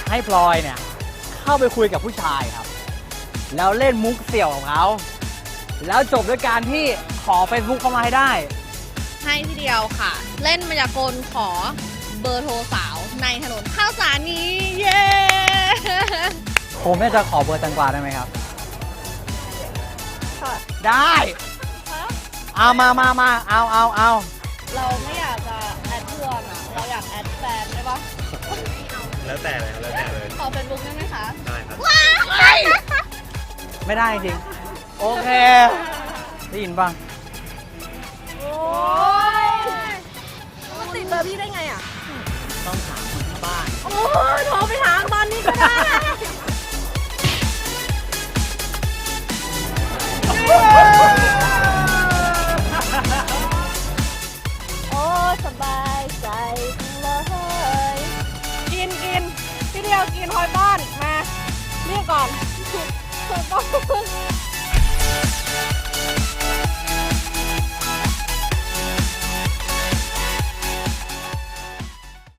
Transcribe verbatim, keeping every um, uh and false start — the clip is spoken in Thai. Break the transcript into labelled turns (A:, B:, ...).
A: ให้พลอยเนี่ยเข้าไปคุยกับผู้ชายครับแล้วเล่นมุกเสี่ยวของเขาแล้วจบด้วยการที่ขอ Facebook เข้ามาให้ได้
B: ให้ทีเดียวค่ะ เล่นมายากลขอเบอร์โทรสาวในถนนข้าวสารนี้ เย้
A: ผมเนี่ยจะขอเบอร์แตงกวาได้ไหมครับ
B: ค่ะ
A: ได้เอามามามาเอาเอาเอา
B: เราไม่อยากจะแอดเพื่อนอะเราอยากแอดแฟนได้ปะ
C: แล้วแต่เลยแล้วแต่เลย
B: ขอเฟซบุ๊กได้ไหมคะ
C: ได้ครับ
A: ไม่ได้จริงโอเคได้ยินป่ะ
B: โอ้ยติดเบอร์พี่ได้ไงอ่ะ
A: ต้องถามคนที่บ้าน
B: โอ้ยโทรไปถามตอนนี้ก็ได้ โอ้สบายใจเลยกินกินพี่เดียวกินหอยบ้านมาเรียกก่อนถูกต้อง